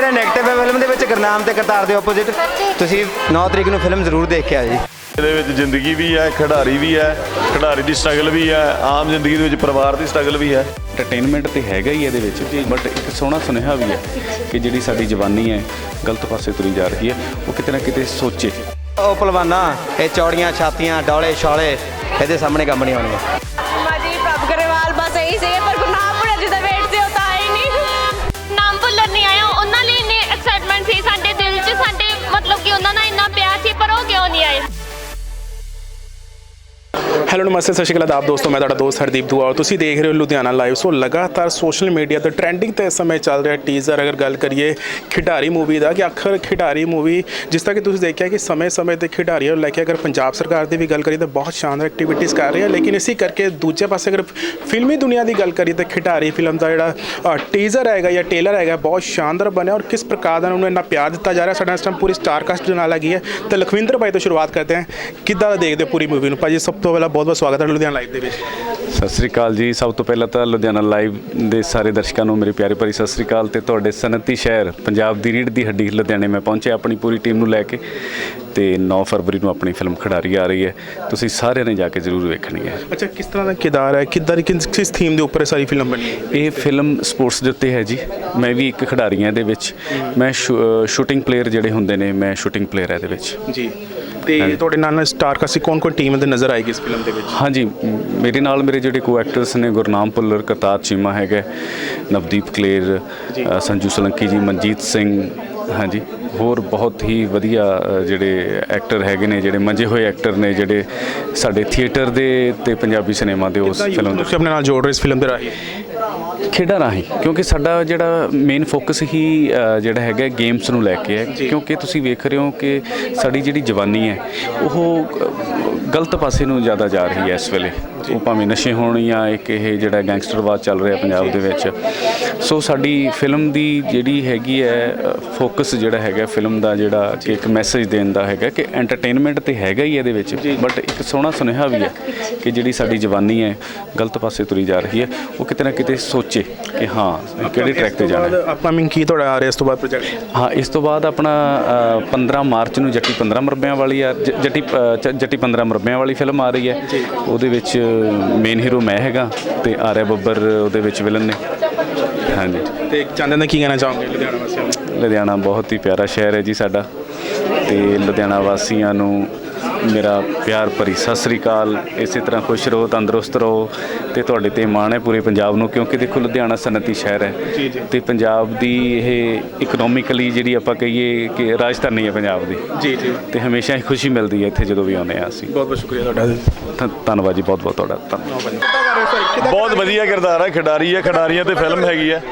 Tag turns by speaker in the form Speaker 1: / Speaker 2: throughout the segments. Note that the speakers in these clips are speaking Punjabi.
Speaker 1: ਮੇਰਾ ਨੈਗੇਟਿਵ ਹੈ ਫਿਲਮ ਦੇ ਵਿੱਚ ਗੁਰਨਾਮ ਤੇ ਕਰਤਾਰ ਦੇ ਆਪੋਜ਼ਿਟ। ਤੁਸੀਂ 9 ਤਰੀਕ ਨੂੰ ਫਿਲਮ ਜ਼ਰੂਰ ਦੇਖ ਕੇ ਆਇਓ ਜੀ।
Speaker 2: ਇਹਦੇ ਵਿੱਚ ਜ਼ਿੰਦਗੀ ਵੀ ਹੈ, ਖਿਡਾਰੀ ਵੀ ਹੈ, ਖਿਡਾਰੀ ਦੀ ਸਟਰਗਲ ਵੀ ਹੈ, ਆਮ ਜ਼ਿੰਦਗੀ ਦੇ ਵਿੱਚ ਪਰਿਵਾਰ ਦੀ ਸਟਰਗਲ ਵੀ ਹੈ।
Speaker 3: ਐਂਟਰਟੇਨਮੈਂਟ ਤੇ ਹੈਗਾ ਹੀ ਇਹਦੇ ਵਿੱਚ, ਬਟ ਇੱਕ ਸੋਹਣਾ ਸੁਨੇਹਾ ਵੀ ਹੈ ਕਿ ਜਿਹੜੀ ਸਾਡੀ ਜਵਾਨੀ ਹੈ ਗਲਤ ਪਾਸੇ ਤੁਰੀ ਜਾ ਰਹੀ ਹੈ, ਉਹ ਕਿਤੇ ਨਾ ਕਿਤੇ ਸੋਚੇ।
Speaker 1: ਉਹ ਪਹਿਲਵਾਨਾਂ ਇਹ ਚੌੜੀਆਂ ਛਾਤੀਆਂ ਡੌਲੇ ਛਾਲੇ ਇਹਦੇ ਸਾਹਮਣੇ ਕੰਮ ਨਹੀਂ ਆਉਣਗੇ।
Speaker 4: ਜੀ ਪ੍ਰਭ ਗਰੇਵਾਲ ਬਸ ਇਹੀ ਸੀ, ਪਰ ਗੁਰਨਾਮ ਭੁੱਲਰ ਜਿਹਦਾ ਵੇਟ ਸੀ ਉਹ ਤਾਂ ਆਏ ਨਹੀਂ। ਨਾਮ ਭੁੱਲਰ ਨਹੀਂ ਆਇਆ, ਉਹਨਾਂ ਲਈ ਇੰਨੀ ਐਕਸਾਈਟਮੈਂਟ ਸੀ ਸਾਡੇ ਦਿਲ 'ਚ, ਸਾਡੇ ਮਤਲਬ ਕਿ ਉਹਨਾਂ ਨਾਲ ਇੰਨਾ ਪਿਆਰ ਸੀ, ਪਰ ਉਹ ਕਿਉਂ ਨਹੀਂ ਆਏ।
Speaker 5: ਹੈਲੋ ਨਮਸਤੇ, ਸਤਿ ਸ਼੍ਰੀ ਅਕਾਲ ਆਪ ਦੋਸਤੋ, ਮੈਂ ਤੁਹਾਡਾ ਦੋਸਤ ਹਰਦੀਪ ਦੁਆ ਔਰ ਤੁਸੀਂ ਦੇਖ ਰਹੇ ਹੋ ਲੁਧਿਆਣਾ ਲਾਈਵ। ਸੋ ਲਗਾਤਾਰ ਸੋਸ਼ਲ ਮੀਡੀਆ ਤੇ ਟ੍ਰੈਂਡਿੰਗ ਤੇ ਇਸ ਸਮੇਂ ਚੱਲ ਰਿਹਾ ਟੀਜ਼ਰ। ਅਗਰ ਗੱਲ ਕਰੀਏ ਖਿਡਾਰੀ ਮੂਵੀ ਦਾ, ਕਿ ਆਖਰ ਖਿਡਾਰੀ ਮੂਵੀ ਜਿਸ ਤਰ੍ਹਾਂ ਕਿ ਤੁਸੀਂ ਦੇਖਿਆ ਕਿ ਸਮੇਂ-ਸਮੇਂ ਤੇ ਖਿਡਾਰੀਆਂ ਨੂੰ ਲੈ ਕੇ ਅਗਰ ਪੰਜਾਬ ਸਰਕਾਰ ਦੀ ਵੀ ਗੱਲ ਕਰੀਏ ਤਾਂ ਬਹੁਤ ਸ਼ਾਨਦਾਰ ਐਕਟੀਵਿਟੀਜ਼ ਕਰ ਰਹੀ ਹੈ, ਲੇਕਿਨ ਇਸੇ ਕਰਕੇ ਦੂਜੇ ਪਾਸੇ ਅਗਰ ਫਿਲਮੀ ਦੁਨੀਆ ਦੀ ਗੱਲ ਕਰੀਏ ਤਾਂ ਖਿਡਾਰੀ ਫਿਲਮ ਦਾ ਜਿਹੜਾ ਟੀਜ਼ਰ ਹੈਗਾ ਜਾਂ ਟੇਲਰ ਹੈਗਾ ਬਹੁਤ ਸ਼ਾਨਦਾਰ ਬਣਿਆ ਔਰ ਕਿਸ ਪ੍ਰਕਾਰ ਦਾ ਉਹਨੂੰ ਇੰਨਾ ਪਿਆਰ ਦਿੱਤਾ ਜਾ ਰਿਹਾ। ਸਾਡਾ ਇਸ ਟਾਈਮ ਪੂਰੀ ਸਟਾਰ ਕਾਸਟ ਦੇ ਨਾਲ ਹੈਗੀ ਹੈ ਤਾਂ ਲਖਵਿੰਦਰ ਭਾਈ ਤੋਂ ਸ਼ੁਰੂਆਤ ਕਰਦੇ ਹਾਂ। ਕਿੱਦਾਂ ਦੇਖਦੇ ਹੋ ਪੂਰੀ ਮੂਵੀ ਨੂੰ? ਭਾਜੀ ਸਭ ਤੋਂ ਪਹਿਲਾਂ ਬਹੁਤ ਸਵਾਗਤ ਹੈ ਲੁਧਿਆਣਾ ਲਾਈਵ ਦੇ ਵਿੱਚ।
Speaker 3: ਸਤਿ ਸ੍ਰੀ ਅਕਾਲ ਜੀ। ਸਭ ਤੋਂ ਪਹਿਲਾਂ ਤਾਂ ਲੁਧਿਆਣਾ ਲਾਈਵ ਦੇ ਸਾਰੇ ਦਰਸ਼ਕਾਂ ਨੂੰ ਮੇਰੀ ਪਿਆਰੀ ਭਰੀ ਸਤਿ ਸ੍ਰੀ ਅਕਾਲ। ਤੇ ਤੁਹਾਡੇ ਸਨਅਤੀ ਸ਼ਹਿਰ ਪੰਜਾਬ ਦੀ ਰੀੜ੍ਹ ਦੀ ਹੱਡੀ ਲੁਧਿਆਣੇ ਮੈਂ ਪਹੁੰਚਿਆ ਆਪਣੀ ਪੂਰੀ ਟੀਮ ਨੂੰ ਲੈ ਕੇ, ਤੇ 9 ਫਰਵਰੀ ਨੂੰ ਆਪਣੀ ਫਿਲਮ ਖਿਡਾਰੀ ਆ ਰਹੀ ਹੈ, ਤੁਸੀਂ ਸਾਰਿਆਂ ਨੇ ਜਾ ਕੇ ਜ਼ਰੂਰ ਵੇਖਣੀ ਹੈ।
Speaker 5: ਅੱਛਾ, ਕਿਸ ਤਰ੍ਹਾਂ ਦਾ ਕਿਰਦਾਰ ਹੈ, ਕਿੱਦਾਂ ਦੀ ਕਿਸ ਥੀਮ ਦੇ ਉੱਪਰ ਸਾਰੀ ਫਿਲਮ ਬਣੀ ਹੈ?
Speaker 3: ਇਹ ਫਿਲਮ ਸਪੋਰਟਸ ਦੇ ਉੱਤੇ ਹੈ ਜੀ। ਮੈਂ ਵੀ ਇੱਕ ਖਿਡਾਰੀ ਹਾਂ ਇਹਦੇ ਵਿੱਚ। ਮੈਂ ਸ਼ੂਟਿੰਗ ਪਲੇਅਰ ਜਿਹੜੇ ਹੁੰਦੇ ਨੇ, ਮੈਂ ਸ਼ੂਟਿੰਗ ਪਲੇਅਰ ਹੈ ਇਹਦੇ ਵਿੱਚ
Speaker 5: ਜੀ। ਤੇ ਤੁਹਾਡੇ ਨਾਲ ਸਟਾਰ ਕਾਸਟ ਕੌਣ ਟੀਮ ਦੇ ਨਜ਼ਰ ਆਏਗੀ ਇਸ ਫਿਲਮ ਦੇ ਵਿੱਚ?
Speaker 3: ਹਾਂਜੀ, ਮੇਰੇ ਨਾਲ ਮੇਰੇ ਜਿਹੜੇ ਕੋ ਐਕਟਰਸ ਨੇ ਗੁਰਨਾਮ ਭੁੱਲਰ, ਕਰਤਾਰ ਚੀਮਾ ਹੈਗਾ, ਨਵਦੀਪ ਕਲੇਰ, ਸੰਜੂ ਸਲੰਕੀ ਜੀ, ਮਨਜੀਤ ਸਿੰਘ, ਹਾਂਜੀ, ਹੋਰ ਬਹੁਤ ਹੀ ਵਧੀਆ ਜਿਹੜੇ ਐਕਟਰ ਹੈਗੇ ਨੇ, ਜਿਹੜੇ ਮੰਜੇ ਹੋਏ ਐਕਟਰ ਨੇ, ਜਿਹੜੇ ਸਾਡੇ ਥੀਏਟਰ ਦੇ ਤੇ ਪੰਜਾਬੀ ਸਿਨੇਮਾ ਦੇ ਉਸ ਫਿਲਮ
Speaker 5: ਤੁਸੀਂ ਆਪਣੇ ਨਾਲ ਜੋੜ ਰਹੇ ਇਸ ਫਿਲਮ ਦੇ ਰਾਹੀਂ
Speaker 3: ਖੇਡਾਂ ਰਾਹੀਂ, ਕਿਉਂਕਿ ਸਾਡਾ ਜਿਹੜਾ ਮੇਨ ਫੋਕਸ ਹੀ ਜਿਹੜਾ ਹੈਗਾ ਗੇਮਸ ਨੂੰ ਲੈ ਕੇ ਹੈ। ਕਿਉਂਕਿ ਤੁਸੀਂ ਵੇਖ ਰਹੇ ਹੋ ਕਿ ਸਾਡੀ ਜਿਹੜੀ ਜਵਾਨੀ ਹੈ ਉਹ ਗਲਤ ਪਾਸੇ ਨੂੰ ਜ਼ਿਆਦਾ ਜਾ ਰਹੀ ਹੈ ਇਸ ਵੇਲੇ। ਉਹ ਭਾਵੇਂ ਨਸ਼ੇ ਹੋਣ ਜਾਂ ਇੱਕ ਇਹ ਜਿਹੜਾ ਗੈਂਗਸਟਰਵਾਦ ਚੱਲ ਰਿਹਾ ਪੰਜਾਬ ਦੇ ਵਿੱਚ। ਸੋ ਸਾਡੀ ਫਿਲਮ ਦੀ ਜਿਹੜੀ ਹੈਗੀ ਹੈ ਫੋਕਸ ਜਿਹੜਾ ਹੈਗਾ ਫਿਲਮ ਦਾ, ਜਿਹੜਾ ਕਿ ਇੱਕ ਮੈਸੇਜ ਦੇਣ ਦਾ ਹੈਗਾ ਕਿ ਐਂਟਰਟੇਨਮੈਂਟ ਤੇ ਹੈਗਾ ਹੀ ਇਹਦੇ ਵਿੱਚ, ਬਟ ਇੱਕ ਸੋਹਣਾ ਸੁਨੇਹਾ ਵੀ ਹੈ ਕਿ ਜਿਹੜੀ ਸਾਡੀ ਜਵਾਨੀ ਹੈ ਗਲਤ ਪਾਸੇ ਤੁਰੀ ਜਾ ਰਹੀ ਹੈ, ਉਹ ਕਿਤੇ ਨਾ ਕਿਤੇ ਸੋਚੇ ਕਿ ਹਾਂ ਕਿਹੜੇ ਟਰੈਕ ਤੇ ਜਾਣਾ।
Speaker 5: ਅਪਕਮਿੰਗ ਕੀ ਤੁਹਾਡਾ ਆ ਰਿਹਾ ਇਸ ਤੋਂ ਬਾਅਦ ਪ੍ਰੋਜੈਕਟ?
Speaker 3: ਹਾਂ, ਇਸ ਤੋਂ ਬਾਅਦ ਆਪਣਾ 15 ਮਾਰਚ ਨੂੰ ਜੱਟੀ 15 ਮਰਬਿਆਂ ਵਾਲੀ ਆ, ਜੱਟੀ 15 ਮਰਬਿਆਂ ਵਾਲੀ ਫਿਲਮ ਆ ਰਹੀ ਹੈ। ਉਹਦੇ ਵਿੱਚ ਮੇਨ ਹੀਰੋ ਮੈਂ ਹੈਗਾ ਤੇ ਆਰਿਆ ਬੱਬਰ ਉਹਦੇ ਵਿੱਚ ਵਿਲਨ ਨੇ। ਹਾਂਜੀ।
Speaker 5: ਤੇ ਚਾਹੁੰਦੇ ਨੇ ਕੀ ਕਹਿਣਾ ਚਾਹੋਗੇ ਲੁਧਿਆਣਾ ਵਾਸੀਆਂ ਨੂੰ?
Speaker 3: ਲੁਧਿਆਣਾ ਬਹੁਤ ਹੀ ਪਿਆਰਾ ਸ਼ਹਿਰ ਹੈ ਜੀ ਸਾਡਾ, ਤੇ ਲੁਧਿਆਣਾ ਵਾਸੀਆਂ ਨੂੰ ਮੇਰਾ ਪਿਆਰ ਭਰੀ ਸਤਿ ਸ੍ਰੀ ਅਕਾਲ। ਇਸੇ ਤਰ੍ਹਾਂ ਖੁਸ਼ ਰਹੋ, ਤੰਦਰੁਸਤ ਰਹੋ, ਤੇ ਤੁਹਾਡੇ ਤੇ ਮਾਣ ਹੈ ਪੂਰੇ ਪੰਜਾਬ ਨੂੰ, ਕਿਉਂਕਿ ਦੇਖੋ ਲੁਧਿਆਣਾ ਸਨਅਤੀ ਸ਼ਹਿਰ ਹੈ ਤੇ ਪੰਜਾਬ ਦੀ ਇਹ ਇਕਨੋਮਿਕਲੀ ਜਿਹੜੀ ਆਪਾਂ ਕਹੀਏ ਕਿ ਰਾਜਧਾਨੀ ਹੈ ਪੰਜਾਬ ਦੀ। ਜੀ ਜੀ। ਤੇ ਹਮੇਸ਼ਾ ਹੀ ਖੁਸ਼ੀ ਮਿਲਦੀ ਹੈ ਇੱਥੇ ਜਦੋਂ ਵੀ ਆਉਂਦੇ ਹਾਂ ਅਸੀਂ।
Speaker 5: ਬਹੁਤ ਬਹੁਤ ਸ਼ੁਕਰੀਆ ਤੁਹਾਡਾ।
Speaker 3: ਧੰਨਵਾਦ ਜੀ, ਬਹੁਤ ਬਹੁਤ ਤੁਹਾਡਾ ਧੰਨਵਾਦ।
Speaker 2: ਬਹੁਤ ਵਧੀਆ ਕਿਰਦਾਰ ਹੈ, ਖਿਡਾਰੀ ਹੈ, ਖਿਡਾਰੀਆਂ ਤੇ ਫਿਲਮ ਹੈਗੀ ਹੈ,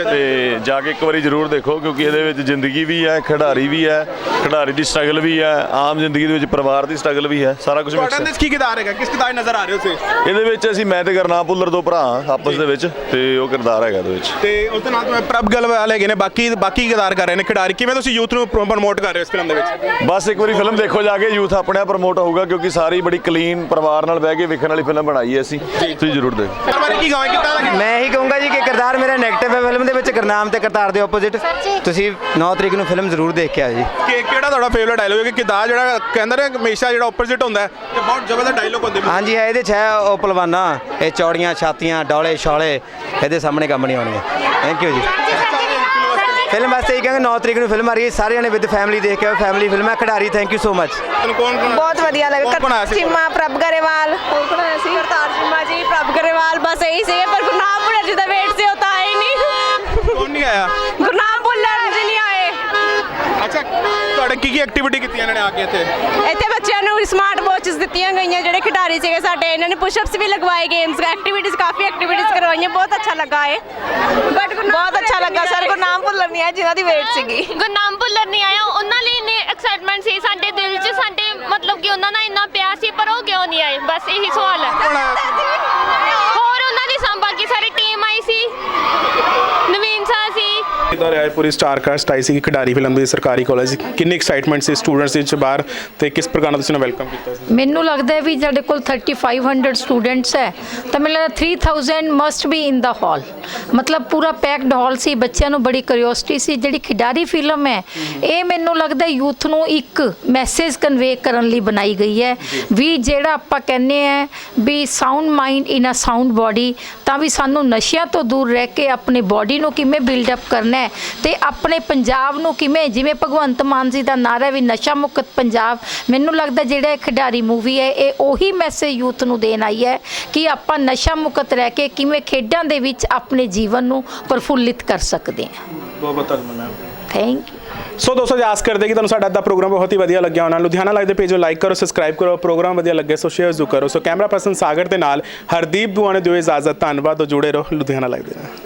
Speaker 2: ਤੇ ਜਾ ਕੇ ਇੱਕ ਵਾਰੀ ਜ਼ਰੂਰ ਦੇਖੋ, ਕਿਉਂਕਿ ਇਹਦੇ ਵਿੱਚ ਜ਼ਿੰਦਗੀ ਵੀ ਹੈ, ਖਿਡਾਰੀ ਵੀ ਹੈ, ਖਿਡਾਰੀ ਦੀ ਸਟਰਗਲ ਵੀ ਹੈ, ਆਮ ਜ਼ਿੰਦਗੀ ਦੇ ਵਿੱਚ ਪਰਿਵਾਰ ਦੀ ਸਟਰਗਲ ਵੀ ਹੈ, ਸਾਰਾ ਕੁਝ ਮਿਕਸ ਹੈ।
Speaker 5: ਕੀ ਕਿਰਦਾਰ ਹੈਗਾ, ਕਿਸ ਕਿਰਦਾਰ ਨਜ਼ਰ ਆ ਰਹੇ ਹੋ ਤੁਸੀਂ
Speaker 2: ਇਹਦੇ ਵਿੱਚ? ਅਸੀਂ ਮੈਂ ਤੇ ਗੁਰਨਾਮ ਭੁੱਲਰ ਦੋ ਭਰਾ ਆਪਸ ਦੇ ਵਿੱਚ, ਤੇ ਉਹ ਕਿਰਦਾਰ ਹੈਗਾ ਇਹਦੇ ਵਿੱਚ।
Speaker 5: ਤੇ ਉਸ ਦੇ ਨਾਲ ਤੋਂ ਪ੍ਰਭ ਗਰੇਵਾਲ ਹੈਗੇ ਨੇ, ਬਾਕੀ ਕਿਰਦਾਰ ਕਰ ਰਹੇ ਨੇ ਖਿਡਾਰੀ। ਕਿਵੇਂ ਤੁਸੀਂ ਯੂਥ ਨੂੰ ਪ੍ਰਮੋਟ ਕਰ ਰਹੇ ਹੋ ਇਸ ਫਿਲਮ ਦੇ ਵਿੱਚ?
Speaker 2: ਬਸ ਇੱਕ ਵਾਰੀ ਫਿਲਮ ਦੇਖੋ ਜਾ ਕੇ, ਯੂਥ ਆਪਣੇ ਆਪ ਪ੍ਰਮੋਟ ਹੋਊਗਾ, ਕਿਉਂਕਿ ਸਾਰੀ ਬੜੀ ਕਲੀਨ ਪਰਿਵਾਰ ਨਾਲ ਬਹਿ ਕੇ ਵੇਖਣ ਵਾਲੀ ਫਿਲਮ ਬਣਾਈ ਹੈ ਅਸੀਂ। ਤੁਸੀਂ ਜ਼ਰੂਰ ਦੇਖੋ।
Speaker 1: ਮੈਂ ਇਹੀ ਕਹੂੰਗਾ ਜੀ ਕਿ ਕਿਰਦਾਰ ਮੇਰਾ ਨੈਗੇਟਿਵ ਹੈ ਫਿਲਮ ਦੇ ਵਿੱਚ ਗੁਰਨਾਮ ਤੇ ਕਰਤਾਰ ਦੇ ਆਪੋਜ਼ਿਟ। ਤੁਸੀਂ 9 ਤਰੀਕ ਨੂੰ ਫਿਲਮ ਜ਼ਰੂਰ ਦੇਖ ਕੇ ਆਇਓ ਜੀ।
Speaker 5: ਕਿਹੜਾ ਤੁਹਾਡਾ ਫੇਵਰਟ ਡਾਇਲੋਗ ਹੈ? ਕਿ ਕਿਰਦਾਰ ਜਿਹੜਾ ਕਹਿੰਦਾ ਨੇ ਹਮੇਸ਼ਾ ਜਿਹੜਾ ਆਪੋਜ਼ਿਟ ਹੁੰਦਾ ਹੈ ਤੇ ਬਹੁਤ ਜ਼ਬਰਦਸਤ ਡਾਇਲੋਗ ਹੁੰਦੇ?
Speaker 1: ਹਾਂਜੀ ਹੈ, ਇਹਦੇ 'ਚ ਹੈ ਉਹ ਪਹਿਲਵਾਨਾਂ ਇਹ ਚੌੜੀਆਂ ਛਾਤੀਆਂ ਡੌਲੇ ਛਾਲੇ ਇਹਦੇ ਸਾਹਮਣੇ ਕੰਮ ਨਹੀਂ ਆਉਣਗੇ। ਥੈਂਕ ਯੂ ਜੀ। ਫਿਲਮ ਵਾਸਤੇ ਹੀ ਕਹਾਂਗੇ 9 ਤਰੀਕ ਨੂੰ ਫਿਲਮ ਆ ਰਹੀ ਹੈ, ਸਾਰਿਆਂ ਨੇ ਵਿਦ ਫੈਮਿਲੀ ਦੇਖ ਕੇ ਆਓ। ਫੈਮਿਲੀ ਫਿਲਮ ਹੈ ਖਿਡਾਰੀ। Thank you so much.
Speaker 4: ਬਹੁਤ ਵਧੀਆ ਲੱਗਾ। ਚੀਮਾ, ਪ੍ਰਭ ਗਰੇਵਾਲ, ਹੋਰ ਕੌਣ ਆਇਆ ਸੀ? ਕਰਤਾਰ ਚੀਮਾ ਜੀ, ਪ੍ਰਭ ਗਰੇਵਾਲ ਬਸ ਇਹੀ ਸੀ, ਪਰ ਗੁਰਨਾਮ ਭੁੱਲਰ ਜਿਹਦਾ ਵੇਟ ਸੀ ਉਹ ਤਾਂ ਆਏ ਨਹੀਂ।
Speaker 5: ਕੌਣ ਨਹੀਂ ਆਇਆ?
Speaker 4: ਗੁਰਨਾਮ ਭੁੱਲਰ ਜੀ ਨਹੀਂ ਆਏ।
Speaker 5: ਅੱਛਾ, ਤੁਹਾਡੇ ਕੀ ਐਕਟੀਵਿਟੀ ਕੀਤੀ ਇਹਨਾਂ ਨੇ ਆ ਕੇ ਇੱਥੇ?
Speaker 4: ਇੱਥੇ ਬੱਚਿਆਂ ਨੂੰ ਸਮਾਰਟ ਵਾਚਸ ਦਿੱਤੀਆਂ ਗਈਆਂ, ਜਿਹੜੇ ਖਿਡਾਰੀ ਸੀਗੇ ਸਾਡੇ, ਇਹਨਾਂ ਨੇ ਪੁਸ਼ਅਪਸ ਵੀ ਲਗਵਾਏ, ਗੇਮਸ ਐਕਟੀਵਿਟੀਜ਼ ਕਾਫੀ ਐਕਟੀਵਿਟੀਜ਼ ਕਰਵਾਈਆਂ। ਬਹੁਤ ਅੱਛਾ ਲੱਗਾ ਹੈ, ਬਟ ਬਹੁਤ ਅੱਛਾ ਲੱਗਾ ਸਰ। ਗੁਰਨਾਮ ਭੁੱਲਰ ਨਹੀਂ ਆਇਆ ਜਿਨ੍ਹਾਂ ਦੀ ਵੇਟ ਸੀਗੀ। ਗੁਰਨਾਮ ਭੁੱਲਰ ਨਹੀਂ ਆਇਆ, ਉਹਨਾਂ ਲਈ ਇੰਨੀ ਐਕਸਾਈਟਮੈਂਟ ਸੀ ਸਾਡੇ ਦਿਲ 'ਚ, ਸਾਡੇ ਮਤਲਬ ਕਿ ਉਹਨਾਂ ਨਾਲ ਇੰਨਾ ਪਿਆਰ ਸੀ, ਪਰ ਉਹ ਕਿਉਂ ਨਹੀਂ ਆਏ, ਬਸ ਇਹੀ ਸਵਾਲ ਹੈ। ਹੋਰ ਉਹਨਾਂ ਦੀ ਬਾਕੀ ਸਾਰੀ ਟੀਮ ਆਈ ਸੀ, ਨਵੀਨ ਸਾਹ ਸੀ।
Speaker 5: ਕਿੱਦਾਂ ਰਿਹਾ ਪੂਰੀ ਸਟਾਰ ਕਾਸਟ ਆਈ ਸੀ ਖਿਡਾਰੀ ਫਿਲਮ ਦੀ ਸਰਕਾਰੀ ਕਾਲਜ, ਕਿੰਨੀ ਐਕਸਾਈਟਮੈਂਟ ਸੀ ਸਟੂਡੈਂਟਸ ਵਿੱਚ ਬਾਹਰ, ਤੇ ਕਿਸ ਪ੍ਰਕਾਰ ਨਾਲ ਤੁਸੀਂ ਵੈਲਕਮ ਕੀਤਾ ਸੀ?
Speaker 6: ਮੈਨੂੰ ਲੱਗਦਾ ਹੈ ਵੀ ਸਾਡੇ ਕੋਲ 3500 ਸਟੂਡੈਂਟਸ ਹੈ ਤਾਂ ਮੈਨੂੰ ਲੱਗਦਾ 3000 ਮਸਟ ਬੀ ਇਨ ਦਾ ਹਾਲ, ਮਤਲਬ ਪੂਰਾ ਪੈਕਡ ਹਾਲ ਸੀ। ਬੱਚਿਆਂ ਨੂੰ ਬੜੀ ਕਿਉਰਿਓਸਿਟੀ ਸੀ। ਜਿਹੜੀ ਖਿਡਾਰੀ ਫਿਲਮ ਹੈ ਇਹ ਮੈਨੂੰ ਲੱਗਦਾ ਯੂਥ ਨੂੰ ਇੱਕ ਮੈਸੇਜ ਕਨਵੇ ਕਰਨ ਲਈ ਬਣਾਈ ਗਈ ਹੈ ਵੀ ਜਿਹੜਾ ਆਪਾਂ ਕਹਿੰਦੇ ਆ ਵੀ sound mind in a sound body, ਤਾਂ ਵੀ ਸਾਨੂੰ ਨਸ਼ਿਆਂ ਤੋਂ ਦੂਰ ਰਹਿ ਕੇ ਆਪਣੇ ਬਾਡੀ ਨੂੰ ਕਿਵੇਂ ਬਿਲਡ ਅਪ ਕਰਨਾ ਹੈ ਤੇ ਆਪਣੇ ਪੰਜਾਬ ਨੂੰ ਕਿਵੇਂ, ਜਿਵੇਂ ਭਗਵੰਤ ਮਾਨ ਜੀ ਦਾ ਨਾਰਾ ਵੀ ਨਸ਼ਾ ਮੁਕਤ ਪੰਜਾਬ, ਮੈਨੂੰ ਲੱਗਦਾ ਜਿਹੜਾ ਇਹ ਖਿਡਾਰੀ ਮੂਵੀ ਹੈ ਇਹ ਉਹੀ ਮੈਸੇਜ ਯੂਥ ਨੂੰ ਦੇਣ ਆਈ ਹੈ ਕਿ ਆਪਾਂ ਨਸ਼ਾ ਮੁਕਤ ਰਹਿ ਕੇ ਕਿਵੇਂ ਖੇਡਾਂ ਦੇ ਵਿੱਚ ਆਪਣੇ ਜੀਵਨ ਨੂੰ ਪ੍ਰਫੁੱਲਿਤ ਕਰ ਸਕਦੇ ਹਾਂ।
Speaker 5: ਬਹੁਤ ਬਹੁਤ ਧੰਨਵਾਦ ਮੈਮ।
Speaker 6: Thank you.
Speaker 5: ਸੋ ਦੋਸਤੋ ਆਸ ਕਰਦੇ ਕਿ ਤੁਹਾਨੂੰ ਸਾਡਾ ਅੱਜ ਦਾ ਪ੍ਰੋਗਰਾਮ ਬਹੁਤ ਹੀ ਵਧੀਆ ਲੱਗਿਆ ਹੋਣਾ। ਲੁਧਿਆਣਾ ਲਾਈਵ ਦੇ ਪੇਜ ਨੂੰ ਲਾਈਕ ਕਰੋ, ਸਬਸਕ੍ਰਾਈਬ ਕਰੋ, ਪ੍ਰੋਗਰਾਮ ਵਧੀਆ ਲੱਗੇ ਸੋ ਸ਼ੇਅਰ ਜ਼ਰੂਰ ਕਰੋ। ਸੋ ਕੈਮਰਾ ਪਰਸਨ ਸਾਗਰ ਦੇ ਨਾਲ ਹਰਦੀਪ ਦੁਆ ਨੇ ਦਿਓ ਇਜਾਜ਼ਤ। ਧੰਨਵਾਦ, ਜੁੜੇ ਰਹੋ ਲੁਧਿਆਣਾ ਲਾਈਵ ਦੇ ਨਾਲ।